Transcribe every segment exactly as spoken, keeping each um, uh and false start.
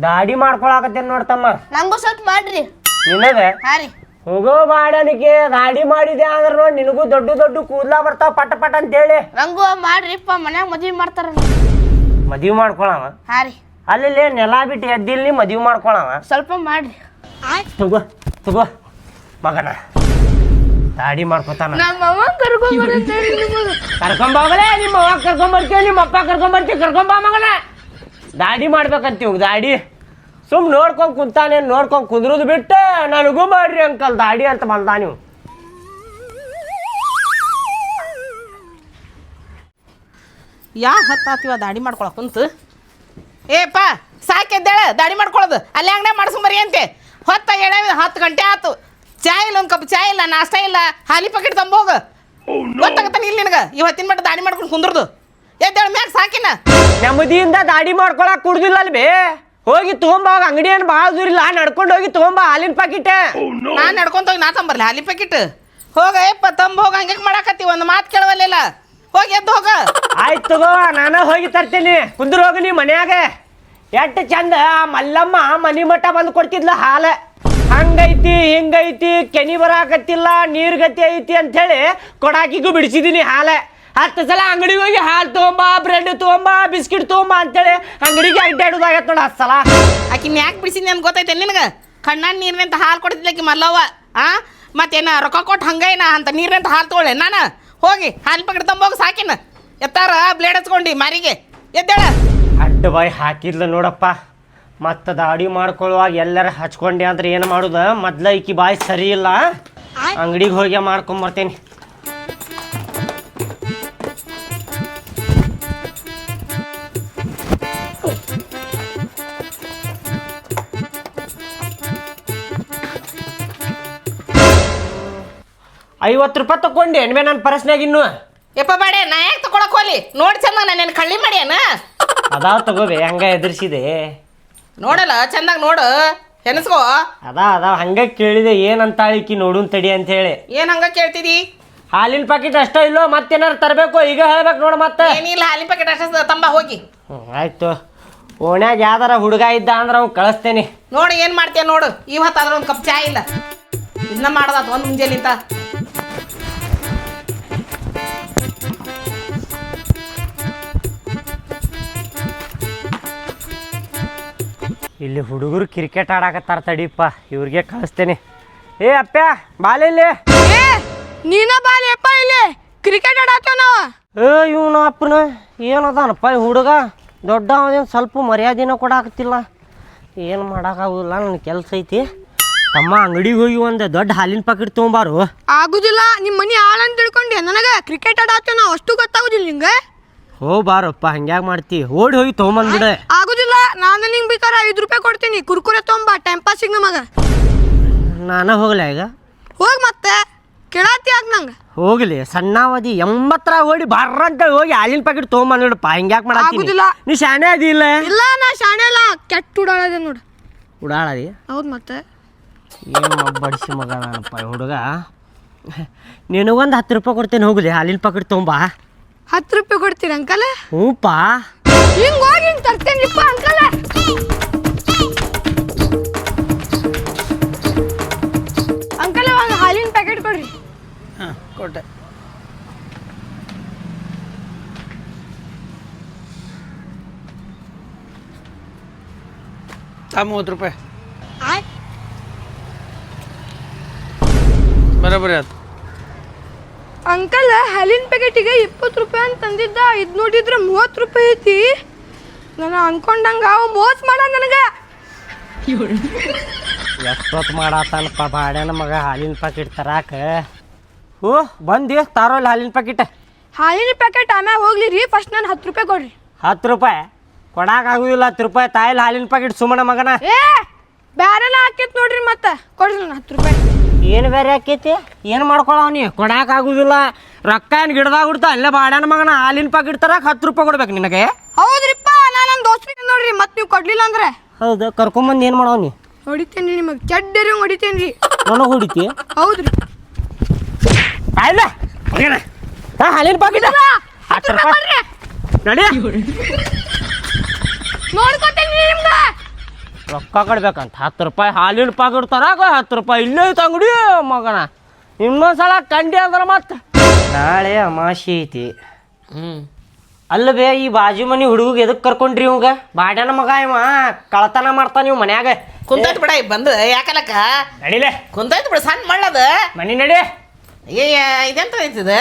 ದಾಡಿ ಮಾಡ್ಕೊಳಕತ್ತೇನ್ ನೋಡ್ತಮ್ಮ. ನಂಗೂ ಸ್ವಲ್ಪ ಮಾಡ್ರಿ. ನಿನಗೆ ಹಾ ರೀ. ಹೋಗೋ ಬಾಡನಿಗೆ ದಾಡಿ ಮಾಡಿದೆ ಅಂದ್ರೆ ನೋಡಿ ನಿನಗೂ ದೊಡ್ಡ ದೊಡ್ಡ ಕೂದ್ಲಾ ಬರ್ತಾವ ಪಟ ಪಟ ಅಂತ ಹೇಳಿ. ನಂಗೂ ಮಾಡ್ರಿಪ್ಪ, ಮನ್ಯಾಗ ಮದ್ವಿ ಮಾಡ್ತಾರ. ಮದ್ವಿ ಮಾಡ್ಕೊಳವ? ಹಾ ರೀ. ಅಲ್ಲಿ ನೆಲ ಬಿಟ್ಟು ಎದ್ದಿಲ್ ನೀ ಮದ್ವಿ ಮಾಡ್ಕೊಳವ? ಸ್ವಲ್ಪ ಮಾಡ್ರಿ. ತಗೋ ತಗೋ ಮಗನ ದಾಡಿ ಮಾಡ್ಕೊತಾನ. ನಮ್ಮ ಅವ್ವ ಕರ್ಕೊಂಬೋಗಲೇ, ನಿಮ್ಮ ಅವ್ವ ಕರ್ಕೊಂಬರ್ತೀವಿ, ನಿಮ್ಮ ಅಪ್ಪ ಕರ್ಕೊಂಬರ್ತೀವಿ, ಕರ್ಕೊಂಬ ಮಗನ. ದಾಡಿ ಮಾಡ್ಬೇಕಂತೀವಿ. ದಾಡಿ ಸುಮ್ ನೋಡ್ಕೊಂಡ್ ಕುಂತಾನೆ, ನೋಡ್ಕೊಂಡ್ ಕುಂದ್ರದು ಬಿಟ್ಟು ನನಗೂ ಮಾಡ್ರಿ ಅಂಕಲ್ ದಾಡಿ ಅಂತ ಬಂದ. ನೀವು ಯಾ ಹತ್ತಾತಿವ ದಾಡಿ ಮಾಡ್ಕೊಳಕ್ ಕುಂತು. ಏಪ್ಪ ಸಾಕೆದ್ದೇಳ ದಾಡಿ ಮಾಡ್ಕೊಳ್ಳೋದು ಅಲ್ಲಿ ಅಂಗಡಿ ಮಾಡ್ಸ್ಕೊಂಬರಿ ಅಂತೆ. ಹೊತ್ತ ಎಡ ಹತ್ತು ಗಂಟೆ ಆಯ್ತು, ಚಾ ಇಲ್ಲ, ಒಂದು ಕಪ್ ಚಾ ಇಲ್ಲ, ನಾಷ್ಟ ಇಲ್ಲ, ಹಾಲಿ ಪ್ಯಾಕೆಟ್ ತಂಬೋಗ. ಗೊತ್ತಾಗತ್ತಾನ ಇಲ್ಲಿ ನಿನಗೆ ಇವತ್ತಿನ ಮಟ್ಟ ದಾಡಿ ಮಾಡ್ಕೊಂಡು ಕುಂದ್ರದು. ಎದ್ದೇಳ ಮ್ಯಾಗ ಸಾಕಿನ. ನೆಮ್ಮದಿಯಿಂದ ದಾಡಿ ಮಾಡ್ಕೊಳಕ್ ಕುಡ್ದಿಲ್ಲ ಅಲ್ ಬೇ. ಹೋಗಿ ತಗೊಂಬ, ಅಂಗಡಿ ಏನು ಭಾಳ ದೂರ ಇಲ್ಲ, ನಡ್ಕೊಂಡು ಹೋಗಿ ತಗೊಂಬ ಹಾಲಿನ ಪ್ಯಾಕೆಟ್. ನಾನು ನಡ್ಕೊಂತ ಹೋಗಿ ನಾ ತಂಬರ್ಲಿ ಹಾಲಿ ಪ್ಯಾಕೆಟ್. ಹೋಗ ಯಪ್ಪ ತಂಬ ಹೋಗ. ಹಂಗೆ ಮಾಡಾಕತ್ತಿ, ಒಂದು ಮಾತು ಕೇಳವಲ್ಲ. ಹೋಗಿ ಎದ್ದು ಹೋಗ. ಆಯ್ತು ತಗೋ, ನಾನು ಹೋಗಿ ತರ್ತೀನಿ. ಕುಂದ್ರ ಹೋಗಿ ನೀ ಮನ್ಯಾಗ. ಎಷ್ಟು ಚಂದ ಮಲ್ಲಮ್ಮ ಮನಿ ಮಠ ಬಂದು ಕೊಡ್ತಿದ್ಲ ಹಾಲು. ಹಂಗೈತಿ ಹಿಂಗೈತಿ, ಕೆನಿ ಬರಾಕತ್ತಿಲ್ಲ, ನೀರ್ ಗತಿ ಐತಿ ಅಂತ ಹೇಳಿ ಕೊಡಾಕಿಗೂ ಬಿಡಿಸಿದೀನಿ ಹಾಲು. ಹತ್ತು ಸಲ ಅಂಗಡಿಗೆ ಹೋಗಿ ಹಾಲು ತಗೊಂಬ, ಬ್ರೆಡ್ ತಗೊಂಬ, ಬಿಸ್ಕಿಟ್ ತಗೊಂಬ ಅಂತೇಳಿ ಅಂಗಡಿಗೆ ಅಡ್ಡಾಡೋದಾಗತ್ತ ನೋಡ ಹತ್ತು ಸಲ. ಆಕಿನ ಯಾಕೆ ಬಿಡಿಸಿದ್ನಿ ಅಂತ ಗೊತ್ತೈತೆ ನಿನಗೆ? ಕಣ್ಣಾನ ನೀರಿನಂತ ಹಾಲು ಕೊಡ್ತಿದ್ಲಕ್ಕಿ ಮಲ್ಲವ್ವ. ಆ ಮತ್ತೇನ ರೊಕ್ಕ ಕೊಟ್ಟು ಹಂಗೇನ ಅಂತ ನೀರಿನಂತ ಹಾಲು ತಗೊಳ್ಳೆ ನಾನು. ಹೋಗಿ ಹಾಲು ಪ್ಯಾಕೆಟ್ ತಂಬೋಗ ಸಾಕಿನ. ಎತ್ತಾರ ಬ್ಲೇಡ್ ಹಚ್ಕೊಂಡು ಮಾರಿಗೆ ಎದ್ದೇಳ. ಅಡ್ಡ ಬಾಯಿ ಹಾಕಿದ್ಲ ನೋಡಪ್ಪ. ಮತ್ತು ದಾಡಿ ಮಾಡ್ಕೊಳ್ಳುವಾಗ ಎಲ್ಲರ ಹಚ್ಕೊಂಡೆ ಅಂದ್ರೆ ಏನು ಮಾಡುದ? ಮೊದ್ಲ ಈಕಿ ಬಾಯಿ ಸರಿ ಇಲ್ಲ, ಅಂಗಡಿಗೆ ಹೋಗಿ ಮಾಡ್ಕೊಂಬರ್ತೇನೆ. ಐವತ್ತು ರೂಪಾಯಿ ತಗೊಂಡೆ ಎಣ್ಮೆ ನನ್ನ ಪರ್ಸ್ನಾಗ ಇನ್ನು. ಯಪ್ಪ ಬಾಡೆ ನಾ ಯಾಕೆ ತಗೊಳಕ್ ಹೋಲಿ? ನೋಡಿ ಚಂದ ನಾನು ಕಳ್ಳಿ ಮಾಡ್ಯಾನ. ಅದಾವ ತಗೋಬೆ, ಹಂಗ ಎದುರಿಸಿದೆ ನೋಡಲ್ಲ ಚಂದಾಗ ನೋಡು, ಹೆನಸ್ಕೋ. ಅದಾ ಅದಾವ ಹಂಗ ಕೇಳಿದೆ ಏನಂತಾಳಿಕಿ ನೋಡುನ್ ತಡಿ ಅಂತ ಹೇಳಿ. ಏನ್ ಹಂಗ ಕೇಳ್ತಿದಿ? ಹಾಲಿನ ಪ್ಯಾಕೆಟ್ ಅಷ್ಟ ಇಲ್ಲೋ ಮತ್ತೇನಾರು ತರಬೇಕು? ಈಗ ಹೇಳ್ಬೇಕು ನೋಡು. ಮತ್ತೆ ಏನಿಲ್ಲ, ಹಾಲಿನ ಪ್ಯಾಕೆಟ್ ಅಷ್ಟ ತಂಬ ಹೋಗಿ. ಹ್ಞೂ ಆಯ್ತು. ಓಣ್ಯಾಗ ಯಾವ್ದಾರ ಹುಡುಗ ಇದ್ದ ಅಂದ್ರೆ ಅವ್ನು ಕಳಿಸ್ತೇನೆ. ನೋಡಿ ಏನ್ ಮಾಡ್ತೀಯ ನೋಡು. ಇವತ್ತು ಅದ್ರ ಒಂದು ಕಪ್ ಚಾ ಇಲ್ಲ, ಇದನ್ನ ಮಾಡೋದಾತ ಒಂದು ಮುಂಜಾನಿಂದ. ಇಲ್ಲಿ ಹುಡುಗರು ಕ್ರಿಕೆಟ್ ಆಡಾಕತ್ತಾರ ತಡಿಪ್ಪ, ಇವ್ರಿಗೆ ಕಳಿಸ್ತೇನೆ. ಏ ಅಪ್ಪ ಬಾಲಿಲ್ಲಿ. ನೀನ ಬಾಲಿಯಪ್ಪ, ಇಲ್ಲಿ ಕ್ರಿಕೆಟ್ ಆಡತ್ತೇವ ನಾವ. ಏ ಇವನು ಅಪ್ಪನ ಏನದಾನಪ್ಪ ಈ ಹುಡುಗ? ದೊಡ್ಡ ಅವನೇನು ಸ್ವಲ್ಪ ಮರ್ಯಾದಿನ ಕೊಡಾಕತ್ತಿಲ್ಲ. ಏನು ಮಾಡೋಕ್ಕಾಗೋದಿಲ್ಲ, ನನ್ನ ಕೆಲಸ ಐತಿ. ತಮ್ಮ ಅಂಗಡಿಗೆ ಹೋಗಿ ಒಂದು ದೊಡ್ಡ ಹಾಲಿನ ಪ್ಯಾಕೆಟ್ ತೊಗೊಂಬಾರು. ಆಗುದಿಲ್ಲ, ನಿಮ್ಮ ಮನಿ ಆಳಂತ ತಿಳ್ಕೊಂಡೆ. ನನಗೆ ಕ್ರಿಕೆಟ್ ಆಡತ್ತೇವ ನಾವು, ಅಷ್ಟು ಗೊತ್ತಾಗುದಿಲ್ಲ ನಿಂಗೆ. ಹೋ ಬಾರಪ್ಪ, ಹಂಗ್ಯಾಗ ಮಾಡ್ತಿ? ಓಡಿ ಹೋಗಿ ತೊಗೊಂಬಂದ್ಬಿಡ. ಆಗುದಿಲ್ಲ, ನಾನು ನಿಂಗೆ ಬೇಕಾರೆ ಐದು ರೂಪಾಯಿ ಕೊಡ್ತೀನಿ, ಕುರ್ಕುರೆ ತೊಗೊಂಬ ಟೈಮ್ ಪಾಸಿಗೆ ನಮಗ. ನಾನು ಹೋಗ್ಲಾ ಈಗ? ಹೋಗಿ ಮತ್ತೆ ಕೇಳತ್ತಿ ಆಗ ನಂಗೆ. ಹೋಗ್ಲಿ ಸಣ್ಣವದಿ ಎಂಬತ್ತರ ಓಡಿ ಬರ್ರಂತ ಹೋಗಿ ಹಾಲಿನ ಪ್ಯಾಕೆಟ್ ತೊಗೊಂಬಂದ್ಬಿಡಪ್ಪ. ಹಿಂಗ್ಯಾಕೆ ಮಾಡತ್ತೀನಿ? ನೀ ಶಾಣೆ ಅದಿಲ್ಲ? ಇಲ್ಲ, ನಾ ಶಾಣೆ ಇಲ್ಲ, ಕೆಟ್ಟ ಉಡಾಳದೆ ನೋಡು. ಉಡಾಳದಿ? ಹೌದು ಮತ್ತೆ. ಏನು ಬಡಿಸಿ ಮಗ ನಾನಪ್ಪ ಈ ಹುಡುಗ. ನಿನಗೊಂದು ಹತ್ತು ರೂಪಾಯಿ ಕೊಡ್ತೇನೆ, ಹೋಗ್ಲಿ ಹಾಲಿನ ಪ್ಯಾಕೆಟ್ ತೊಗೊಂಬ. ಹತ್ತು ರೂಪಾಯಿ ಕೊಡ್ತೀರಿ ಅಂಕಲ್? ಹ್ಞೂಪ್ಪ. ಹಿಂಗೆ ಹೋಗಿ ಹಿಂಗೆ ತರ್ತೇನಿಪ್ಪ ಅಂಕಲ್. ಅಂಕಲ್ ಒಂದು ಹಾಲಿನ ಪ್ಯಾಕೆಟ್ ಕೊಡ್ರಿ. ಹಾಂ ಕೊಟ್ಟೆ. ತಾ ಮೂವತ್ತು ರೂಪಾಯಿ ಬರೋಬ್ಬರಿ ಆಯ್ತು. ಅಂಕಲ್ ಹಾಲಿನ ಪ್ಯಾಕೆಟಿಗೆ ಇಪ್ಪತ್ತು ರೂಪಾಯಿ ಅಂತ ತಂದಿದ್ದ, ಇದು ನೋಡಿದ್ರೆ ಮೂವತ್ತು ರೂಪಾಯಿ ಐತಿ. ನಾನು ಅನ್ಕೊಂಡಂಗ ಅವು ಮೋಸ ಮಾಡ ನನಗೆ. ಎಷ್ಟೊತ್ತು ಮಾಡತ್ತಾನಪ್ಪ ಬಾಡ್ಯಾನ ಮಗ ಹಾಲಿನ ಪ್ಯಾಕೆಟ್ ತರಾಕ. ಹ್ಞೂ ಬಂದು ತಾರೋಲ್ಲ ಹಾಲಿನ ಪ್ಯಾಕೆಟ್. ಹಾಲಿನ ಪ್ಯಾಕೆಟ್ ಆಮ್ಯಾಗ ಹೋಗ್ಲಿ ರೀ, ಫಸ್ಟ್ ನಾನು ಹತ್ತು ರೂಪಾಯಿ ಕೊಡ್ರಿ. ಹತ್ತು ರೂಪಾಯಿ ಕೊಡಾಕಾಗುದಿಲ್ಲ. ಹತ್ತು ರೂಪಾಯಿ ತಾಯಿಲ್ ಹಾಲಿನ ಪ್ಯಾಕೆಟ್ ಸುಮ್ಮನ ಮಗನ. ಏ ಬ್ಯಾರೆಲ್ಲ ಹಾಕೈತಿ ನೋಡ್ರಿ, ಮತ್ತೆ ಕೊಡ್ರಿ ನಾನು ಹತ್ತು ರೂಪಾಯಿ. ಏನು ಬೇರೆ ಆಕೈತಿ? ಏನು ಮಾಡ್ಕೊಳವ ನೀ? ಕೊಡಾಕಾಗುದಿಲ್ಲ. ರೊಕ್ಕ ಏನು ಗಿಡದಾಗ ಬಿಡ್ತಾ ಅಲ್ಲೇ ಬಾಡ್ಯಾನ ಮಗನ ಹಾಲಿನ ಪ್ಯಾಕೆಟ್ ತರಾಕ ಹತ್ತು ರೂಪಾಯಿ ಕೊಡ್ಬೇಕು ನಿನಗೆ? ಹೌದ್ರಿಪ್ಪ, ನಾನು ನನ್ನ ದೋಸ್ತ್ರಿಗೆ ನೋಡ್ರಿ, ಮತ್ತೆ ನೀವು ಕೊಡ್ಲಿಲ್ಲ ಅಂದ್ರೆ ಹೌದು ಕರ್ಕೊಂಬಂದು ಏನು ಮಾಡವ ನೀ? ಹೊಡಿತೇನೆ ನಿಮಗೆ, ಚಡ್ಡರಿ ಹೊಡಿತೇನೆ ರೀ. ನನಗೆ ಹೊಡಿತಿ? ಹೌದ್ರಿ. ಆಯ್ಲ ಹಾಲಿನ ಪ್ಯಾಕೆಟ್ ಹತ್ತು ರೂಪಾಯಿ ನಡಿ. ನೋಡ್ಕೊತೇನೆ ನಿಮ್ಗೆ. ರೊಕ್ಕ ಕೊಡ್ಬೇಕಂತ ಹತ್ತು ರೂಪಾಯಿ ಹಾಲಿನ ಪಾಕಿಟ್ ತರಾಕ ಹತ್ತು ರೂಪಾಯಿ ಇಲ್ಲೇ ಐತೆ ಅಂಗಡಿ ಮಗನ. ಇನ್ನೊಂದ್ಸಲ ಕಂಡಿ ಅಂದ್ರೆ ಮತ್ತೆ ನಾಳೆ ಅಮಾಶಿ ಐತಿ. ಹ್ಞೂ ಅಲ್ಲ ಬೇ ಈ ಬಾಜು ಮನಿ ಹುಡುಗ ಎದಕ್ಕೆ ಕರ್ಕೊಂಡ್ರಿ ಇವಂಗ? ಬಾಡ್ಯಾನ ಮಗ ಇವ ಕಳತನ ಮಾಡ್ತಾನ ಇವ್ ಮನ್ಯಾಗ. ಕುಂತೈತ್ ಬಿಡ ಬಂದು ಯಾಕಲಕ್ಕ ನಡಿಲೆ ಕುಂತೈತ್ ಬಿಡ ಸಣ್ಣ ಮಳ್ಳದ ಮನಿ ನಡಿ. ಏ ಇದೆಂತ ಐತಿದ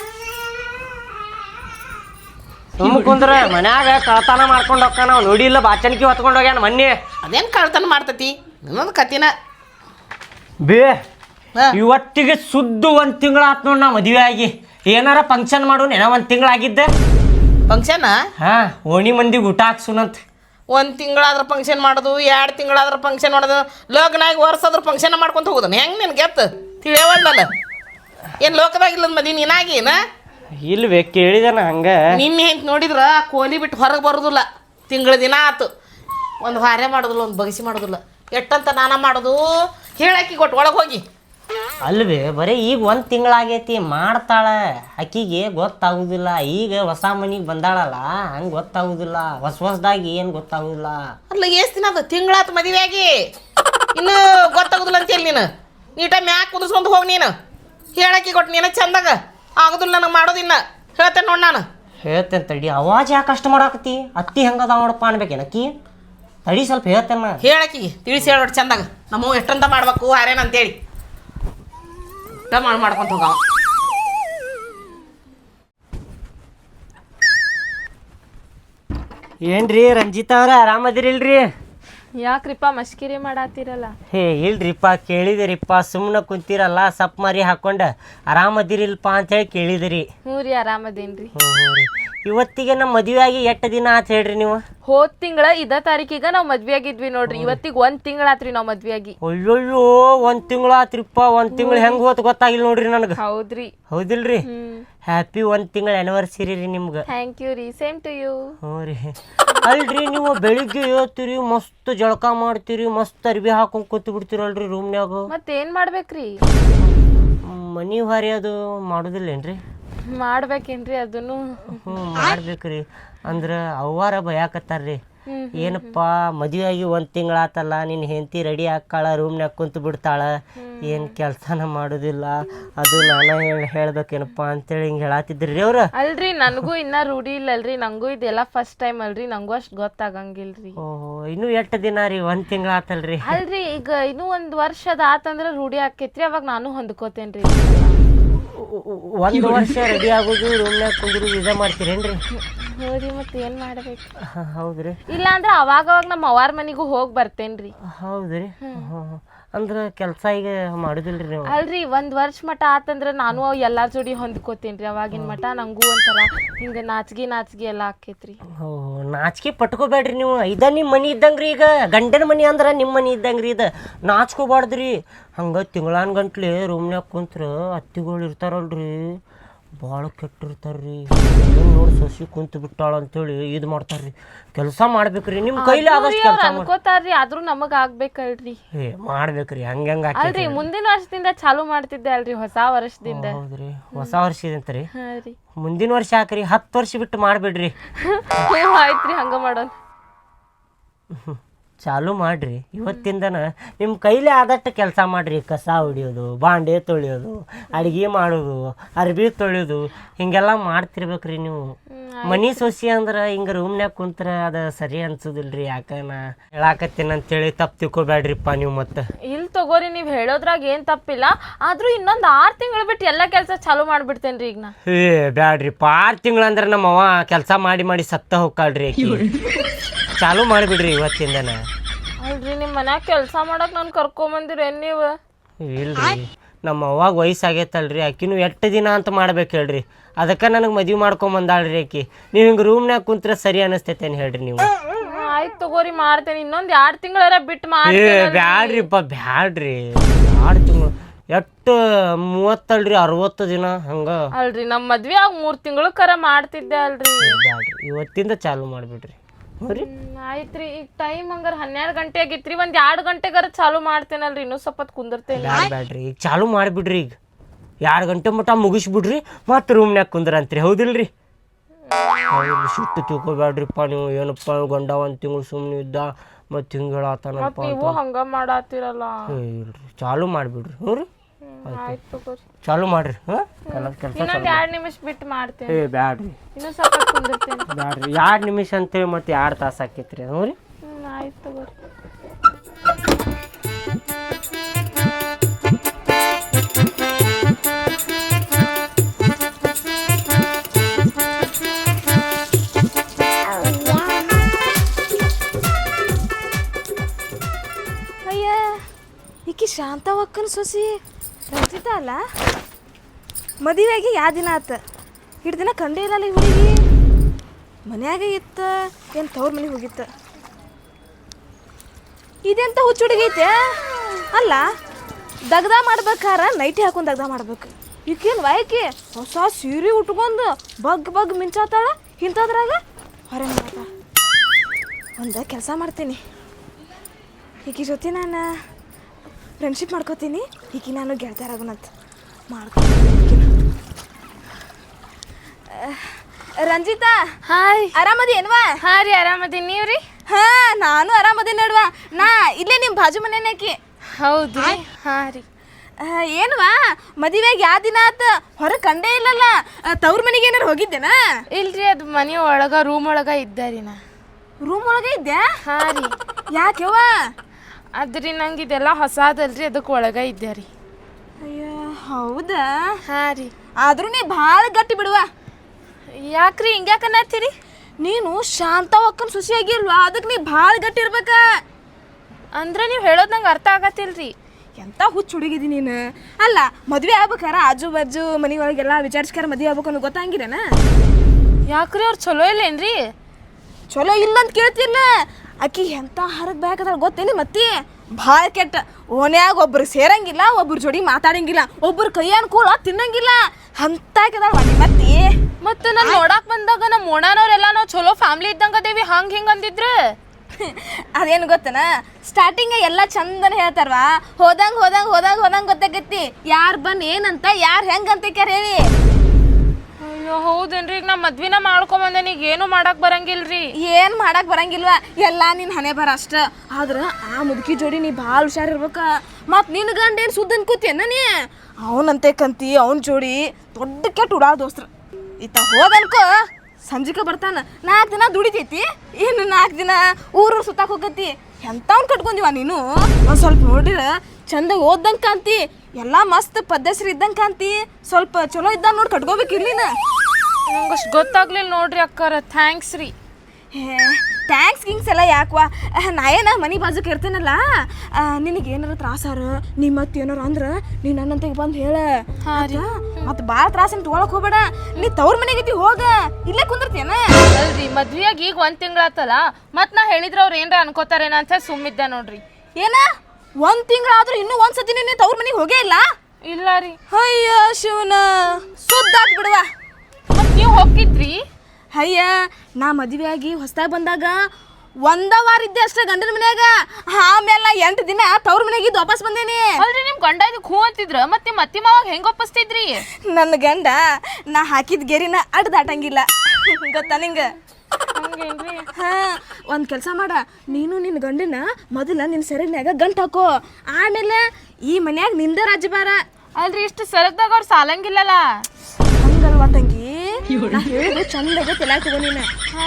ಸುಮ್ಮ ಕುಂದ್ರ ಮನ್ಯಾಗ ಕಳತನ ಮಾಡ್ಕೊಂಡು ಹೋಗ್ಕ ನಾವು ನೋಡಿಲ್ಲ ಬಾಚಣಿಕೆ ಹೊತ್ಕೊಂಡು ಹೋಗ್ಯಾನ ಮೊನ್ನೆ. ಅದೇನು ಕಳ್ತನ ಮಾಡ್ತತಿ ಇನ್ನೊಂದು ಕತಿನ ಬೇ ಹಾ. ಇವತ್ತಿಗೆ ಸುದ್ದು ಒಂದ್ ತಿಂಗಳ ಆತ್ ನೋಡ್ ನಾ ಮದುವೆ ಆಗಿ. ಏನಾರ ಫಂಕ್ಷನ್ ಮಾಡೋಣ ಏನೋ ಒಂದ್ ತಿಂಗಳಾಗಿದ್ದೆ. ಫಂಕ್ಷನ್ ಹಾ ಓಣಿ ಮಂದಿಗೆ ಊಟ ಹಾಕ್ಸುನಂತ. ಒಂದು ತಿಂಗಳಾದ್ರ ಫಂಕ್ಷನ್ ಮಾಡೋದು ಎರಡು ತಿಂಗಳಾದ್ರ ಫಂಕ್ಷನ್ ಮಾಡೋದು ಲಗ್ನ ಆಗಿ ವರ್ಷಾದ್ರ ಫಂಕ್ಷನ್ ಮಾಡ್ಕೊಂತ ಹೋಗೋದನ ಹೆಂಗೆ ನಿನ್ಗೆ ಎತ್ತು ತಿಳಿಯವಲ್ಲ ಏನು ಲೋಕದಾಗಿಲ್ಲ ಮದಿ ನೀನಾಗೇನ ಇಲ್ವೇ ಕೇಳಿದನ ಹಂಗ. ನಿನ್ನೆ ಅಂತ ನೋಡಿದ್ರ ಕೋಲಿ ಬಿಟ್ಟು ಹೊರಗೆ ಬರೋದಿಲ್ಲ ತಿಂಗಳ ದಿನ ಆತು. ಒಂದು ಹಾರೆ ಮಾಡೋದಿಲ್ಲ ಒಂದು ಬಗಸಿ ಮಾಡೋದಿಲ್ಲ ಎಟ್ಟಂತ ನಾನ ಮಾಡೋದು ಹೇಳಾಕಿ ಕೊಟ್ಟು ಒಳಗೆ ಹೋಗಿ. ಅಲ್ವೇ ಬರೀ ಈಗ ಒಂದ್ ತಿಂಗಳಾಗೈತಿ ಮಾಡ್ತಾಳ. ಆಕಿಗೆ ಗೊತ್ತಾಗುದಿಲ್ಲ. ಈಗ ಹೊಸ ಮನಿಗೆ ಬಂದಾಳಲ್ಲ ಹಂಗೆ ಗೊತ್ತಾಗುದಿಲ್ಲ. ಹೊಸ ಹೊಸದಾಗಿ ಏನು ಗೊತ್ತಾಗುದಿಲ್ಲ. ಅಲ್ಲ ಎಷ್ಟು ದಿನ ಅದು ತಿಂಗಳಾತು ಮದುವೆ ಆಗಿ ಇನ್ನು ಗೊತ್ತಾಗೋದಿಲ್ಲ ಅಂತೇಳಿ ನೀನು ನೀಟ ಮ್ಯಾಕ್ ಕುದಿಸ್ಕೊಂಡು ಹೋಗಿ ನೀನು ಹೇಳಕ್ಕಿ ಕೊಟ್ಟು ನೀನು ಚಂದಾಗ ಆಗೋದಿಲ್ಲ ನನಗೆ ಮಾಡೋದಿನ್ನ ಹೇಳ್ತೇನೆ ನೋಡಿ ನಾನು. ಹೇಳ್ತೇನೆ ತಡಿ. ಅವಾಜ್ ಯಾಕೆ ಅಷ್ಟು ಮಾಡಾಕತಿ? ಅತ್ತಿ ಹೆಂಗದ ನೋಡಪ್ಪ ಅನ್ಬೇಕೇನಕ್ಕಿ? ತಡಿ ಸ್ವಲ್ಪ ಹೇಳ್ತೇನೆ. ಹೇಳಕ್ಕಿ ತಿಳಿಸಿ ಹೇಳೋಡು ಚಂದಾಗ ನಮ್ಮ ಎಷ್ಟಂತ ಮಾಡ್ಬೇಕು ಹಾರೇನ ಅಂತೇಳಿ ಊಟ ಮಾಡಿ ಮಾಡ್ಕೊಂತ ಹೋಗವ. ಏನ್ರಿ ರಂಜಿತಾ ಅವ್ರ ಆರಾಮದಿರಿಲ್ರಿ? ಯಾಕ್ರಿಪ್ಪ ಮಸ್ಕಿರಿ ಮಾಡಾತಿರಲ್ಲ? ಹೇ ಇಲ್ರಿಪ್ಪ ಕೇಳಿದಿರಿಪ್ಪ. ಸುಮ್ಮನೆ ಕುಂತಿರಲ್ಲ ಸಪ್ ಮಾರಿ ಹಾಕೊಂಡ ಆರಾಮದಿರಿಲ್ಪ ಅಂತೇಳಿ ಕೇಳಿದಿರಿ. ಹ್ಞೂ ರೀ ಆರಾಮದೇನ್ರಿ. ಹ್ಞೂ ಹ್ಞೂ ರೀ. ಇವತ್ತಿಗೆ ನಮ್ಮ ಮದುವೆ ಆಗಿ ಎಷ್ಟು ದಿನ ಆತ್ ಹೇಳ್ರಿ ನೀವು? ಹೋದ್ ತಿಂಗಳ ಇದ ತಾರೀಕಿಗ ನಾವ್ ಮದ್ವೆ ಆಗಿದ್ವಿ ನೋಡ್ರಿ. ಇವತ್ತಿಗೆ ಒಂದ್ ತಿಂಗಳ ಆತ್ರಿ ನಾವ್ ಮದ್ವೆ ಆಗಿ. ಅಯ್ಯಯ್ಯೋ ಒಂದ್ ತಿಂಗಳ ಆತ್ರಿಪ್ಪ. ಒಂದ್ ತಿಂಗಳು ಹೆಂಗ್ ಹೋತ್ ಗೊತ್ತಾಗಿಲ್ಲ ನೋಡ್ರಿ ನನಗೆ. ಹೌದ್ರಿ. ಹೌದಿಲ್ರಿ? ಹ್ಮ್ ಹ್ಯಾಪಿ ಒಂದ್ ತಿಂಗಳ ಆನಿವರ್ಸರಿ ರೀ ನಿಮ್ಗೆ. ಥ್ಯಾಂಕ್ ಯು ರೀ. Same to you. ಹ್ಞೂ ರೀ. ಅಲ್ರಿ ನೀವು ಬೆಳಿಗ್ಗೆ ಹೇಳ್ತೀರಿ ಮಸ್ತ್ ಜಳಕ ಮಾಡ್ತೀರಿ ಮಸ್ತ್ ಅರ್ಬಿ ಹಾಕೊಂಡ್ ಕೂತ್ ಬಿಡ್ತೀರಲ್ರಿ ರೂಮ್ನ್ಯಾಗ. ಮತ್ತೇನ್ ಮಾಡ್ಬೇಕ್ರಿ? ಮನಿ ಹಾರಿ ಅದು ಮಾಡುದಿಲ್ಲೇನ್ರಿ? ಮಾಡ್ಬೇಕೇನ್ರಿ ಅದನ್ನು? ಹ್ಞೂ ಮಾಡ್ಬೇಕ್ರಿ. ಅಂದ್ರ ಅವ್ವಾರ ಭಯಾಕತ್ತಾರ್ರಿ. ಏನಪ್ಪ ಮದುವೆ ಆಗಿ ಒಂದು ತಿಂಗಳಾತಲ್ಲ ನಿನ್ನ ಹೆಂಡತಿ ರೆಡಿ ಹಾಕ್ಕಾಳ ರೂಮ್ನಾಗ ಕುಂತು ಬಿಡ್ತಾಳ ಏನು ಕೆಲಸನ ಮಾಡೋದಿಲ್ಲ ಅದು ನಾನು ಹೇಳಿ ಹೇಳ್ಬೇಕೇನಪ್ಪ ಅಂತೇಳಿ ಹಿಂಗೆ ಹೇಳತ್ತಿದ್ರಿ ರೀ ಅವ್ರು. ಅಲ್ರಿ ನನಗೂ ಇನ್ನ ರೂಢಿ ಇಲ್ಲಲ್ರಿ. ನಂಗೂ ಇದೆಲ್ಲ ಫಸ್ಟ್ ಟೈಮ್ ಅಲ್ರಿ. ನಂಗೂ ಅಷ್ಟು ಗೊತ್ತಾಗಂಗಿಲ್ರಿ. ಓಹೋ ಇನ್ನೂ ಎಷ್ಟು ದಿನ ರೀ? ಒಂದು ತಿಂಗಳ ಆತಲ್ರಿ. ಅಲ್ರಿ ಈಗ ಇನ್ನೂ ಒಂದು ವರ್ಷದ ಆತಂದ್ರೆ ರೂಢಿ ಆಕೈತ್ರಿ. ಅವಾಗ ನಾನು ಹೊಂದ್ಕೋತೇನ್ರಿ. ಒಂದು ವರ್ಷ ರೆಡಿ ಆಗೋದು ರೂಮ್ನಾಗ ಕುಂದ್ರು ಇದ ಮಾಡ್ತೀರೇನ್ರಿ? ಹೌದ್ರಿ. ಮತ್ತೆ ಏನ್ ಮಾಡ್ಬೇಕು? ಹೌದ್ರಿ. ಇಲ್ಲ ಅಂದ್ರೆ ಅವಾಗ ಅವಾಗ ನಮ್ಮ ಅವ್ವಾರ ಮನಿಗೂ ಹೋಗಿ ಬರ್ತೇನ್ರಿ. ಹೌದ್ರಿ. ಅಂದ್ರೆ ಕೆಲಸ ಈಗ ಮಾಡುದಿಲ್ರಿ ನೀವು? ಅಲ್ರಿ ಒಂದ್ ವರ್ಷ ಮಟ ಆತಂದ್ರ ನಾನು ಎಲ್ಲಾರ ಜೋಡಿ ಹೊಂದ್ಕೋತೇನ್ರಿ. ಅವಾಗಿನ ಮಟ ನಂಗೂ ಒಂಥರ ಹಿಂಗ ನಾಚ್ಗಿ ನಾಚ್ಗಿ ಎಲ್ಲ ಆಕೇತ್ರಿ. ಓ ನಾಚಿಕೆ ಪಟ್ಕೋಬೇಡ್ರಿ ನೀವು. ಇದ ನಿಮ್ಮ ಮನಿ ಇದ್ದಂಗ್ರಿ. ಈಗ ಗಂಡನ ಮನಿ ಅಂದ್ರೆ ನಿಮ್ಮ ಮನಿ ಇದ್ದಂಗ್ರಿ. ಇದು ನಾಚ್ಕೋಬಾರ್ದ್ರಿ. ಹಂಗೆ ತಿಂಗಳಾನ್ ಗಂಟ್ಲೆ ರೂಮ್ನ್ಯಾಗ ಕುಂತ್ರ ಅತ್ತಿಗಳು ಇರ್ತಾರಲ್ರಿ ಭಾಳ ಕೆಟ್ಟಿರ್ತಾರ್ರಿ. ನೋಡಿ ಸಸಿ ಕುಂತು ಬಿಟ್ಟಾಳ ಅಂತೇಳಿ ಇದು ಮಾಡ್ತಾರ್ರಿ. ಕೆಲಸ ಮಾಡ್ಬೇಕ್ರಿ ನಿಮ್ಮ ಕೈಲಿ ಆದಷ್ಟು ಕೆಲಸ ಅನ್ಕೋತಾರ್ರಿ. ಆದ್ರೂ ನಮಗ್ ಆಗ್ಬೇಕಲ್ರಿ. ಏ ಮಾಡ್ಬೇಕ್ರಿ. ಹಂಗ ಹಂಗ ಅಲ್ರಿ ಮುಂದಿನ ವರ್ಷದಿಂದ ಚಾಲು ಮಾಡ್ತಿದ್ದೆ ಅಲ್ರಿ ಹೊಸ ವರ್ಷದಿಂದ. ಹೌದ್ರಿ ಹೊಸ ವರ್ಷದಂತ್ರಿ. ಹಾ ರೀ. ಮುಂದಿನ ವರ್ಷ ಹಾಕ್ರಿ. ಹತ್ತು ವರ್ಷ ಬಿಟ್ಟು ಮಾಡ್ಬೇಡ್ರಿ. ಆಯ್ತ್ರಿ ಹಂಗ ಮಾಡೋಣ. ಚಾಲು ಮಾಡ್ರಿ. ಇವತ್ತಿಂದನ ನಿಮ್ಮ ಕೈಲಿ ಆದಷ್ಟು ಕೆಲಸ ಮಾಡ್ರಿ. ಕಸ ಹೊಡಿಯೋದು, ಬಾಂಡೆ ತೊಳೆಯೋದು, ಅಡುಗೆ ಮಾಡೋದು, ಅರ್ಬಿ ತೊಳೆಯೋದು ಹಿಂಗೆಲ್ಲ ಮಾಡ್ತಿರ್ಬೇಕ್ರಿ ನೀವು. ಮನಿ ಸೊಸಿ ಅಂದ್ರೆ ಹಿಂಗೆ ರೂಮ್ನ್ಯಾಗ ಕುಂತ್ರ ಅದು ಸರಿ ಅನ್ಸೋದಿಲ್ರಿ. ಯಾಕನ ಹೇಳಾಕತ್ತೀನಿ ಅಂತೇಳಿ ತಪ್ಪು ತಿಳ್ಕೊಬೇಡ್ರಿಪ್ಪ ನೀವು. ಮತ್ತೆ ಇಲ್ಲಿ ತಗೋರಿ ನೀವು ಹೇಳೋದ್ರಾಗ ಏನು ತಪ್ಪಿಲ್ಲ. ಆದ್ರೂ ಇನ್ನೊಂದು ಆರು ತಿಂಗಳು ಬಿಟ್ಟು ಎಲ್ಲ ಕೆಲಸ ಚಾಲು ಮಾಡ್ಬಿಡ್ತೇನ್ರಿ ಈಗ ನಾ. ಏ ಬ್ಯಾಡ್ರಿಪ್ಪ. ಆರು ತಿಂಗಳಂದ್ರೆ ನಮ್ಮವ್ವ ಕೆಲಸ ಮಾಡಿ ಮಾಡಿ ಸತ್ತ ಹೋಗ್ಕಾಳ್ರಿ. ಆಕಿ ಚಾಲು ಮಾಡಿಬಿಡ್ರಿ ಇವತ್ತಿಂದನ. ಅಲ್ರಿ ನಿಮ್ಮ ಮನ್ಯಾಗ ಕೆಲಸ ಮಾಡಕ್ ನಾನು ಕರ್ಕೊಂಬಂದಿರೇನು ನೀವು? ಇಲ್ರಿ ನಮ್ಮ ಅವ್ವಾಗ ವಯಸ್ಸಾಗೈತಲ್ರಿ. ಆಕಿನೂ ಎಷ್ಟು ದಿನ ಅಂತ ಮಾಡ್ಬೇಕು ಹೇಳ್ರಿ. ಅದಕ್ಕೆ ನನಗೆ ಮದುವೆ ಮಾಡ್ಕೊಂಬಂದಾಳ್ರಿ ಆಕಿ. ನೀವು ಹಿಂಗೆ ರೂಮ್ನಾಗ ಕುಂತ್ರೆ ಸರಿ ಅನಿಸ್ತೈತೇನು ಹೇಳ್ರಿ ನೀವು? ಆಯ್ತು ತಗೋರಿ ಮಾಡ್ತೇನೆ. ಇನ್ನೊಂದು ಎರಡು ತಿಂಗಳರ ಬಿಟ್ಟು ಮಾಡಿ. ಏ ಬ್ಯಾಡ್ರಿಪ್ಪ ಬ್ಯಾಡ್ರಿ. ಎರಡು ತಿಂಗಳು ಎಷ್ಟು ಮೂವತ್ತಲ್ರಿ ಅರವತ್ತು ದಿನ ಹಂಗ ಅಲ್ರಿ ನಮ್ಮ ಮದ್ವೆ ಆಗ ಮೂರು ತಿಂಗಳು ಕರ ಮಾಡ್ತಿದ್ದೆ ಅಲ್ರಿ. ಬ್ಯಾಡ್ರಿ ಇವತ್ತಿಂದ ಚಾಲು ಮಾಡಿಬಿಡ್ರಿ. ಆಯ್ತ್ರಿ. ಈಗ ಟೈಮ್ ಹಂಗಾರ ಹನ್ನೆರಡು ಗಂಟೆ ಆಗಿತ್ರಿ. ಒಂದ್ ಎರಡು ಗಂಟೆಗಾರ ಚಾಲು ಮಾಡ್ತೇನಲ್ರಿ. ಇನ್ನೂ ಸ್ವಲ್ಪ ಕುಂದಿರ್ತೇನೆ. ಬ್ಯಾಡ್ ಬ್ಯಾಡ್ರಿ ಈಗ ಚಾಲು ಮಾಡಿಬಿಡ್ರಿ. ಈಗ ಎರಡು ಗಂಟೆ ಮಟ್ಟ ಮುಗಿಸ್ಬಿಡ್ರಿ ಮತ್ತೆ ರೂಮ್ನ್ಯಾಗ ಕುಂದ್ರಂತ್ರಿ. ಹೌದಿಲ್ರಿ? ಸಿಟ್ಟು ತಿಳ್ಕೊಬ್ಯಾಡ್ರಿಪ್ಪ ನೀವು. ಏನಪ್ಪ ಗಂಡ ಒಂದು ತಿಂಗಳು ಸುಮ್ಮನೆ ಇದ್ದ ಮತ್ತು ಹಿಂಗೆ ಹೇಳತ್ತಾನಪ್ಪ ನೀವು ಹಂಗ ಮಾಡಾತಿರಲ್ಲ. ಇಲ್ರಿ ಚಾಲು ಮಾಡಿಬಿಡ್ರಿ. ಹ್ಞೂ ರೀ ಆಯ್ತು ತಗೋರಿ, ಚಾಲು ಮಾಡ್ರಿ. ಹಾಂ ಎಲ್ಲ ಕೆಲಸ ಇನ್ನೊಂದು ಎರಡು ನಿಮಿಷ ಬಿಟ್ಟು ಮಾಡ್ತೇನೆ. ಏ ಬ್ಯಾಡ್ರಿ ಇನ್ನೂ ಸ್ವಲ್ಪ ಕುಂದಿರ್ತೇನೆ. ಬ್ಯಾಡ್ರಿ ಎರಡು ನಿಮಿಷ ಅಂತೇಳಿ ಮತ್ತೆ ಎರಡು ತಾಸು ಆಕೈತ್ರಿ. ಹ್ಞೂ ರೀ ಹ್ಞೂ ಆಯ್ತು ತಗೋರಿ. ಅಯ್ಯ ಈಕಿ ಶಾಂತವಕ್ಕನ ಸೊಸಿ ರಂಜಿತ ಅಲ್ಲ. ಮದುವೆಯಾಗಿ ಯಾವ ದಿನ ಆತ, ಇಷ್ಟು ದಿನ ಕಂಡೇ ಇಲ್ಲಲ್ಲ ಈ ಹುಡುಗಿ. ಮನ್ಯಾಗ ಇತ್ತ ಏನು ತವ್ರ ಮನೆಗೆ ಹೋಗಿತ್ತ. ಇದೆಂತ ಹುಚ್ಚು ಹುಡುಗಿ ಐತೆ ಅಲ್ಲ. ದಗ್ದ ಮಾಡ್ಬೇಕಾರ ನೈಟಿ ಹಾಕೊಂಡು ದಗ್ದ ಮಾಡ್ಬೇಕು. ಈಕೇನು ವಾಯ್ಕಿ ಹೊಸ ಸೀರೆ ಉಟ್ಕೊಂಡು ಬಗ್ ಬಗ್ ಮಿಂಚಾತಾಳ. ಇಂಥದ್ರಾಗ ಹೊರ ಮಾಡತ್ತ. ಒಂದು ಕೆಲಸ ಮಾಡ್ತೀನಿ, ಈಕಿ ಜೊತೆ ನಾನು ಫ್ರೆಂಡ್ಶಿಪ್ ಮಾಡ್ಕೋತೀನಿ. ಈಕಿ ನಾನು ಗೆಳತಿಯರಾಗೋಣಂತ ಮಾಡ್ಕೊತೀನಿ. ರಂಜಿತಾ, ಹಾಯ್, ಆರಾಮದಿ ಏನ್ವಾ? ಹಾ ರೀ ಆರಾಮದೀನಿ. ನೀವು ರೀ? ಹಾ ನಾನು ಆರಾಮದಿ ನೋಡ್ವಾ. ನಾ ಇಲ್ಲೇ ನಿಮ್ಮ ಬಾಜು ಮನೇನ ಆಕಿ. ಹೌದು ರೀ. ಹಾಂ ರೀ. ಏನ್ವಾ ಮದುವೆಗೆ ಯಾವ ದಿನ ಆತ, ಹೊರಗೆ ಕಂಡೇ ಇಲ್ಲಲ್ಲ. ತವ್ರ ಮನೆಗೆ ಏನಾರು ಹೋಗಿದ್ದೇನಾ? ಇಲ್ರಿ, ಅದು ಮನೆ ಒಳಗೆ ರೂಮ್ ಒಳಗೆ ಇದ್ದಾರಿ ನಾ. ರೂಮ್ ಒಳಗೆ ಇದ್ದೆ? ಹಾಂ ರೀ. ಯಾಕೆವ್ವ? ಅದ್ರಿ ನಂಗೆ ಇದೆಲ್ಲ ಹೊಸಾದಲ್ರಿ, ಅದಕ್ಕೆ ಒಳಗೆ ಇದ್ದೆ ರೀ. ಅಯ್ಯೋ ಹೌದಾ? ಹಾಂ ರೀ. ಆದ್ರೂ ನೀ ಭಾಳ ಗಟ್ಟಿ ಬಿಡುವ. ಯಾಕ್ರಿ ಹಿಂಗ್ಯಾಕ ಅನ್ನತ್ತೀರಿ? ನೀನು ಶಾಂತ ಒಕ್ಕನ್ ಸುಸಿ ಆಗಿಲ್ವಾ, ಅದಕ್ಕೆ ನೀ ಭಾಳ ಗಟ್ಟಿ ಇರ್ಬೇಕ. ಅಂದ್ರೆ ನೀವು ಹೇಳೋದು ನಂಗೆ ಅರ್ಥ ಆಗತ್ತಿಲ್ರಿ. ಎಂತ ಹುಚ್ಚು ಹುಡುಗಿದಿ ನೀನು. ಅಲ್ಲ ಮದುವೆ ಆಗ್ಬೇಕಾರ ಆಜು ಬಾಜು ಮನೆ ಒಳಗೆಲ್ಲ ವಿಚಾರಿಸ್ಕಾರ ಮದುವೆ ಆಗ್ಬೇಕು ಅನ್ನೋ ಗೊತ್ತಾಗಿರೇನ? ಯಾಕ್ರಿ ಅವ್ರು ಚಲೋ ಇಲ್ಲೇನ್ರಿ? ಚಲೋ ಇಲ್ಲ ಅಂತ ಕೇಳ್ತಿಲ್ಲ. ಆಕಿ ಎಂತ ಹರದ್ ಬೇಕದ ಗೊತ್ತೇನಿ ಮತ್ತೆ. ಭಾಳ ಕೆಟ್ಟ. ಓನ್ಯಾಗ ಒಬ್ರು ಸೇರಂಗಿಲ್ಲ, ಒಬ್ರು ಜೋಡಿ ಮಾತಾಡಂಗಿಲ್ಲ, ಒಬ್ರು ಕೈಯನ್ ಕೂಳ ತಿನ್ನಂಗಿಲ್ಲ ಅಂತ ಕೆದಾಳ ಮತ್ತೆ. ಮತ್ತು ನಾನು ನೋಡಕ್ ಬಂದಾಗ ನಮ್ಮ ಓಣಾನವ್ರೆಲ್ಲ ನಾವು ಚಲೋ ಫ್ಯಾಮಿಲಿ ಇದ್ದಂಗೆ ಅದೇವಿ. ಹಂಗೆ ಹಿಂಗೆ ಅಂದಿದ್ರು. ಅದೇನು ಗೊತ್ತನ, ಸ್ಟಾರ್ಟಿಂಗ್ ಎಲ್ಲ ಚಂದನ ಹೇಳ್ತಾರವಾ. ಹೋದಂಗ ಹೋದಂಗ ಹೋದಂಗ ಹೋದಂಗ ಗೊತ್ತಾಗತ್ತಿ ಯಾರು ಬಂದು ಏನಂತ, ಯಾರು ಹೆಂಗಂತ ಕ್ಯಾರ ಹೇಳಿ. ಅಯ್ಯೋ ಹೌದೇನ್ರಿ? ಈಗ ನಾ ಮದ್ವಿನ ಮಾಡ್ಕೊಂಬಂದೇನಿ, ಈಗ ಏನು ಮಾಡಕ್ ಬರಂಗಿಲ್ರಿ. ಏನು ಮಾಡಕ್ ಬರಂಗಿಲ್ವಾ, ಎಲ್ಲ ನಿನ್ನ ಹಣೆ ಬರ ಅಷ್ಟ. ಆದ್ರೆ ಆ ಮುದುಕಿ ಜೋಡಿ ನೀ ಭಾಳ ಹುಷಾರಿರ್ಬೇಕ. ಮತ್ತು ನಿನ್ನ ಗಂಡ ಏನು ಸುದ್ದ ಅನ್ಕೋತಿಯನ್ನ ನೀ? ಅವನಂತೆ ಕಂತಿ ಅವನ ಜೋಡಿ ದೊಡ್ಡ ಕೆಟ್ಟ ಉಡಾ ದೋಸ್ತ್ರ. ಈತ ಹೋದನ್ಕೋ ಸಂಜಿಕ ಬರ್ತಾನ. ನಾಲ್ಕು ದಿನ ದುಡಿತೈತಿ, ಇನ್ನು ನಾಲ್ಕು ದಿನ ಊರು ಸುತ್ತಾಕ್ ಹೋಗತಿ. ಎಂಥವ್ನು ಕಟ್ಕೊಂಡಿವ ನೀನು? ಒಂದು ಸ್ವಲ್ಪ ನೋಡಿರ ಚಂದ ಓದ್ದಂಗೆ ಕಾಂತಿ, ಎಲ್ಲ ಮಸ್ತ್ ಪದ್ಧತಿ ಇದ್ದಂಗೆ ಕಾಂತಿ. ಸ್ವಲ್ಪ ಚಲೋ ಇದ್ದಂಗೆ ನೋಡಿ ಕಟ್ಕೋಬೇಕಿರ್ಲಿನ. ನಂಗೆ ಅಷ್ಟು ಗೊತ್ತಾಗ್ಲಿಲ್ಲ ನೋಡ್ರಿ ಅಕ್ಕಾರ. ಥ್ಯಾಂಕ್ಸ್ ರೀ. ಥ್ಯಾಂಕ್ಸ್ ಗಿಂಗ್ಸ್ ಎಲ್ಲ ಯಾಕವಾ. ನಾ ಏನ ಮನೆ ಬಾಜುಕ್ ಇರ್ತೇನಲ್ಲ, ನಿನಗೆ ಏನಾರ ತ್ರಾಸಾರ ನೀ ಮತ್ತೆ ಏನಾರ ಅಂದ್ರೆ ನೀ ನನ್ನಂತೆಗೆ ಬಂದು ಹೇಳ. ಮತ್ತು ಭಾಳ ತ್ರಾಸನ್ ತೊಗೊಳಕ್ ಹೋಗ್ಬೇಡ. ನೀ ತವ್ರ ಮನೆಗೈತಿ ಹೋಗ, ಇಲ್ಲೇ ಕುಂದಿರ್ತೇನ. ಅಲ್ರಿ ಮದ್ವಿಯಾಗ ಈಗ ಒಂದು ತಿಂಗಳಾತಲ್ಲ, ಮತ್ತು ನಾ ಹೇಳಿದ್ರೆ ಅವ್ರು ಏನ್ರ ಅನ್ಕೋತಾರೇನ ಅಂತ ಸುಮ್ಮಿದ್ದೆ ನೋಡ್ರಿ. ಏನ ಒಂದು ತಿಂಗಳಾದ್ರೂ ಇನ್ನೂ ಒಂದ್ಸತಿ ನೀನು ತವ್ರ ಮನೆಗೆ ಹೋಗೇ ಇಲ್ಲ? ಇಲ್ಲ ರೀ. ಅಯ್ಯ ಶಿವನ ಸುದ್ದಾತ್ ಬಿಡುವ. ಮತ್ತು ನೀವು ಹೋಗಿದ್ರಿ? ಅಯ್ಯ ನಾ ಮದುವೆ ಆಗಿ ಹೊಸ್ದಾಗಿ ಬಂದಾಗ ಒಂದ ವಾರ ಇದ್ದೆ ಅಷ್ಟೇ ಗಂಡನ ಮನ್ಯಾಗ. ಆಮೇಲೆ ಎಂಟು ದಿನ ತವ್ರ ಮನೆಗಿದ್ದು ವಾಪಸ್ ಬಂದೇನಿ. ಅಲ್ರಿ ನಿಮ್ಮ ಗಂಡ ಇದಕ್ಕೆ ಹೂ ಅಂತಿದ್ರ, ಮತ್ತೆ ನಿಮ್ಮ ಅತ್ತಿ ಮಾವಾಗ ಹೆಂಗೆ ಒಪ್ಪಿಸ್ತಿದ್ರಿ? ನನ್ನ ಗಂಡ ನಾ ಹಾಕಿದ ಗೆರಿನ ಅಡ್ ದಾಟಂಗಿಲ್ಲ ಗೊತ್ತಾ ನಿಂಗೆ? ಹಂಗೇನ್ರಿ? ಹಾ, ಒಂದು ಕೆಲಸ ಮಾಡ, ನೀನು ನಿನ್ನ ಗಂಡನ ಮೊದಲ ನಿನ್ನ ಸೆರಗ್ನ್ಯಾಗ ಗಂಟು ಹಾಕೋ. ಆಮೇಲೆ ಈ ಮನ್ಯಾಗ ನಿಂದ ರಾಜ್ಯಭಾರ. ಅಲ್ರಿ ಇಷ್ಟು ಸರಕ್ದಾಗ ಅವ್ರು ಸಾಲಂಗಿಲ್ಲಲ್ಲ. ಹಂಗಲ್ವಾ ತಂಗಿ, ನಾ ಹೇಳಿದ್ರು ಚಂದಾಗ ತಲೆ ತಗೋ ನೀನು.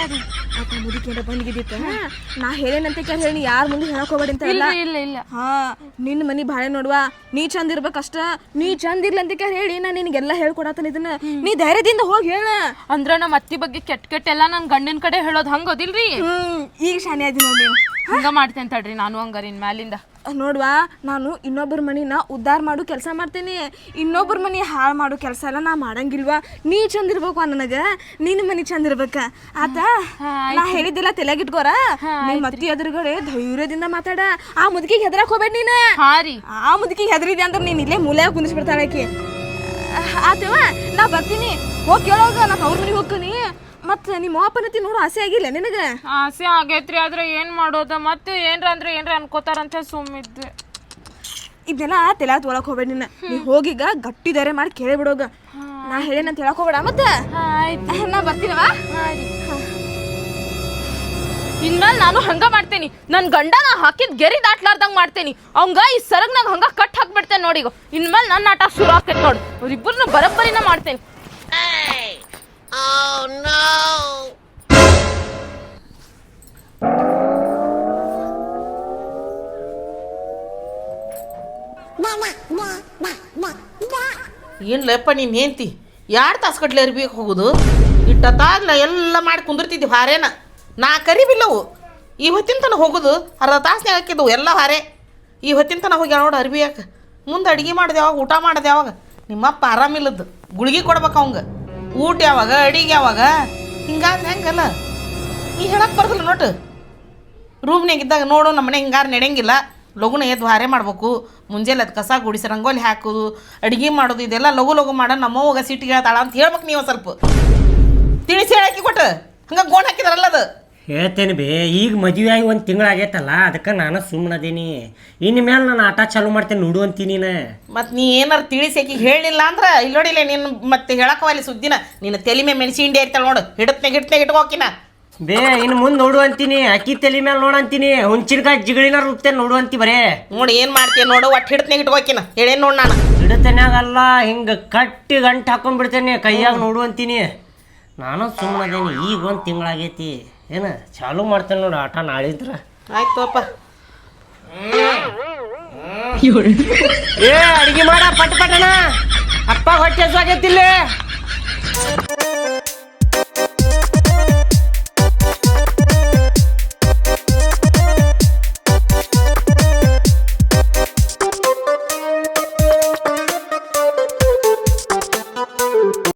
ಆತ ಮುದುಕೇನ ಬಂದ್ಗಿದ್ದಿತ್ತ, ನಾ ಹೇಳೇನಂತೆ ಕೇಳಿ ಹೇಳಿ ಯಾರ ಮುಂದೆ ಹೇಳಕ್ ಹೋಗ್ಬೇಡಿ ಅಂತ. ಇಲ್ಲ ಇಲ್ಲ ಇಲ್ಲ. ಹಾ, ನಿನ್ನ ಮನಿ ಬಾಳೆ ನೋಡುವ, ನೀ ಚಂದ ಇರ್ಬೇಕಷ್ಟ. ನೀ ಚಂದ ಇರ್ಲ ಅಂತ ಕೇಳಿ ಹೇಳಿ ನಾ ನಿನಗೆಲ್ಲ ಹೇಳ್ಕೊಡತನ ಇದನ್ನ. ನೀ ಧೈರ್ಯದಿಂದ ಹೋಗಿ ಹೇಳ. ಅಂದ್ರ ನಮ್ಮ ಅತ್ತಿ ಬಗ್ಗೆ ಕೆಟ್ಟ ಕೆಟ್ಟ ಎಲ್ಲ ನನ್ನ ಗಂಡಿನ ಕಡೆ ಹೇಳೋದು ಹಂಗೋದಿಲ್ರಿ? ಹ್ಮ್, ಈಗ ಶಾನೆ ಅದಿ ನೋಡಿ ನೀನು. ಹಂಗ ಮಾಡ್ತೇನೆ ತಡ್ರಿ ನಾನು ಹಂಗಾರಿನ ಮ್ಯಾಲಿಂದ. ನೋಡ್ವಾ, ನಾನು ಇನ್ನೊಬ್ಬರ ಮನಿನ ಉದ್ಧಾರ ಮಾಡು ಕೆಲಸ ಮಾಡ್ತೇನೆ. ಇನ್ನೊಬ್ಬರ ಮನಿ ಹಾಳು ಮಾಡು ಕೆಲಸ ಎಲ್ಲ ನಾ ಮಾಡಂಗಿಲ್ವಾ. ನೀ ಚಂದ ಇರ್ಬೇಕು ನನಗೆ, ನಿನ್ನ ಮನಿ ಚಂದ ಇರ್ಬೇಕ ಆತ. ನಾ ಹೇಳಿದ್ದಿಲ್ಲ ತಲೆಗಿಟ್ಕೋರ. ನಿಮ್ಮ ಅತ್ತಿ ಎದುರುಗಡೆ ಧೈರ್ಯದಿಂದ ಮಾತಾಡ. ಆ ಮುದುಕಿಗೆ ಹೆದರಕ್ ಹೋಗ್ಬೇಡ ನೀನು. ಹಾ ರೀ. ಆ ಮುದುಕಿಗೆ ಹೆದರಿದೆ ಅಂದ್ರೆ ನೀನು ಇಲ್ಲೇ ಮೂಲೆ ಕುಂದಿಸ್ಬಿಡ್ತಾಳೆ ಆಕಿ. ಆತವ ನಾ ಬರ್ತೀನಿ, ಹೋಗಿ ಕೇಳೋಗ. ನಾ ಅವ್ರ ಮನೆಗೆ ಹೋಗ್ತೀನಿ. ಮತ್ತು ನಿಮ್ಮ ಅಪ್ಪನತಿ ನೋಡು ಆಸೆ ಆಗಿಲ್ಲ ನಿನಗೆ? ಆಸೆ ಆಗೈತ್ರಿ, ಆದ್ರೆ ಏನು ಮಾಡೋದು? ಮತ್ತೆ ಏನ್ರ ಅಂದ್ರೆ ಏನ್ರ ಅನ್ಕೋತಾರಂತ ಸುಮ್ಮಿದ್ದೆ. ಇದನ್ನೆಲ್ಲ ತಲೆ ತೊಗೊಳಕ್ ಹೋಗ್ಬೇಡ. ನಿನ್ನ ನೀ ಹೋಗಿಗ ಗಟ್ಟಿ ಧೈರ್ಯ ಮಾಡಿ ಕೇಳಿಬಿಡೋಗ. ನಾ ಹೇಳೇನಂತ ಹೇಳಕ್ ಹೋಗ್ಬೇಡ ಮತ್ತೆ ನಾ ಬರ್ತೀನವಾ ಇನ್ಮೇಲೆ ನಾನು ಹಂಗ ಮಾಡ್ತೇನಿ ನನ್ನ ಗಂಡ ನಾ ಹಾಕಿದ್ ಗೆರಿ ದಾಟ್ಲಾರ್ದಂಗ್ ಮಾಡ್ತೇನಿ ಅವಂಗ ಈ ಸರಗ್ನಾಗ ಹಂಗ ಕಟ್ ಹಾಕ್ಬಿಡ್ತೇನೆ ನೋಡಿ ಈಗ ಇನ್ಮೇಲೆ ನನ್ನ ಆಟ ಶುರು ಆಕೈತಿ ನೋಡು ಅವ್ರಿಬ್ಬರನ್ನ ಬರಬ್ಬರಿನ ಮಾಡ್ತೇನಿ ಏನು ಲೆಪ್ಪ ನೀನು ಹೆಂಡ್ತಿ ಎರಡು ತಾಸು ಕಟ್ಲೆ ಅರಿಬೇಕು ಹೋಗೋದು ಇಟ್ಟತ್ತಾಗ್ಲ ಎಲ್ಲ ಮಾಡಿ ಕುಂದಿರ್ತಿದ್ವಿ ಹಾರೇನ ನಾ ಕರಿಬಿಲ್ಲವು ಈ ಹೊತ್ತಿನ ತನಕ ಹೋಗೋದು ಅರ್ಧ ತಾಸ್ನಾಗ ಹಾಕಿದ್ದವು ಎಲ್ಲ ಹಾರೆ ಈ ಹೊತ್ತಿನ ತನಕ ಹೋಗಿ ನೋಡು ಅರ್ಬಿ ಯಾಕೆ ಮುಂದೆ ಅಡುಗೆ ಮಾಡಿದೆ ಯಾವಾಗ ಊಟ ಮಾಡಿದೆ ಯಾವಾಗ ನಿಮ್ಮಪ್ಪ ಆರಾಮಿಲ್ಲದ್ದು ಗುಳಿಗೆ ಕೊಡ್ಬೇಕು ಅವಂಗೆ ಊಟ ಯಾವಾಗ ಅಡಿಗೆ ಯಾವಾಗ ಹಿಂಗಾದ್ರೆ ಹೆಂಗಲ್ಲ ನೀ ಹೇಳಕ್ಕೆ ಬರ್ದಿಲ್ಲ ನೋಟು ರೂಮ್ನಾಗ ಇದ್ದಾಗ ನೋಡು ನಮ್ಮ ಮನೆ ಹಿಂಗಾರು ನಡೆಯಂಗಿಲ್ಲ ಲಘುನ ಎದ್ದು ಹಾರೆ ಮಾಡ್ಬೇಕು ಮುಂಜಾನೆ ಅದು ಕಸ ಗುಡಿಸಿ ರಂಗೋಲಿ ಹಾಕೋದು ಅಡುಗೆ ಮಾಡೋದು ಇದೆಲ್ಲ ಲಘು ಲಘು ಮಾಡೋ ನಮ್ಮವ್ವಾಗ ಸಿಟ್ಟಿಗೆ ಹೇಳ್ತಾಳ ಅಂತ ಹೇಳ್ಬೇಕು ನೀವು ಸ್ವಲ್ಪ ತಿಳಿಸಿ ಹೇಳಕ್ಕೆ ಕೊಟ್ಟು ಹಂಗೆ ಗೋಣ್ ಹಾಕಿದಾರಲ್ಲ ಅದು ಹೇಳ್ತೇನೆ ಬೇ ಈಗ ಮದುವೆ ಆಗಿ ಒಂದು ತಿಂಗಳಾಗೈತಲ್ಲ ಅದಕ್ಕೆ ನಾನು ಸುಮ್ಮನದೀನಿ ಇನ್ನು ಮೇಲೆ ನಾನು ಆಟ ಚಾಲು ಮಾಡ್ತೇನೆ ನೋಡು ಅಂತೀನಿ ನೀನು ಮತ್ತು ನೀ ಏನಾರು ತಿಳಿಸಿ ಆಕಿಗೆ ಹೇಳಿಲ್ಲ ಅಂದ್ರೆ ಇಲ್ಲಿ ನೋಡಿಲ್ಲ ನೀನು ಮತ್ತೆ ಹೇಳಕ್ಕವಲ್ಲಿ ಸುದ್ದಿನ ನೀನು ತಲೆ ಮೇಲೆ ಮೆಣಸಿ ಹಿಂಡಿ ಇರ್ತಾಳೆ ನೋಡು ಹಿಡತ್ನಾಗ ಹಿಡ್ತನಾಗ ಇಟ್ಕೋಕಿನ ಬೇ ಇನ್ನು ಮುಂದೆ ನೋಡು ಅಂತೀನಿ ಅಕ್ಕಿ ತಲೆ ಮೇಲೆ ನೋಡು ಅಂತೀನಿ ಹುಂಚಿನಕಾಯಿ ಜಿಗಳಿನ ರುತ್ತೇನೆ ನೋಡು ಅಂತಿ ಬರೇ ನೋಡಿ ಏನು ಮಾಡ್ತೀನಿ ನೋಡು ಒಟ್ಟು ಹಿಡತ್ನಾಗ ಇಟ್ಕೋಕಿನ ಹೇಳೇನು ನೋಡಿ ನಾನು ಹಿಡತನ್ಯಾಗಲ್ಲ ಹಿಂಗೆ ಕಟ್ಟಿ ಗಂಟು ಹಾಕೊಂಡ್ಬಿಡ್ತೇನೆ ಕೈಯಾಗ ನೋಡು ಅಂತೀನಿ ನಾನು ಸುಮ್ಮನದೇನಿ ಈಗ ಒಂದು ತಿಂಗಳಾಗೈತಿ ಏನು ಚಾಲು ಮಾಡ್ತೇನೆ ನೋಡು ಆಟ ನಾಳಿದ್ರ ಆಯ್ತು ಅಪ್ಪ ಏ ಅಡಿಗೆ ಮಾಡ ಪಟ್ ಪಟನ ಅಪ್ಪ ಹೊಟ್ಟೆ ಸಾಗೈತಿಲ್ಲ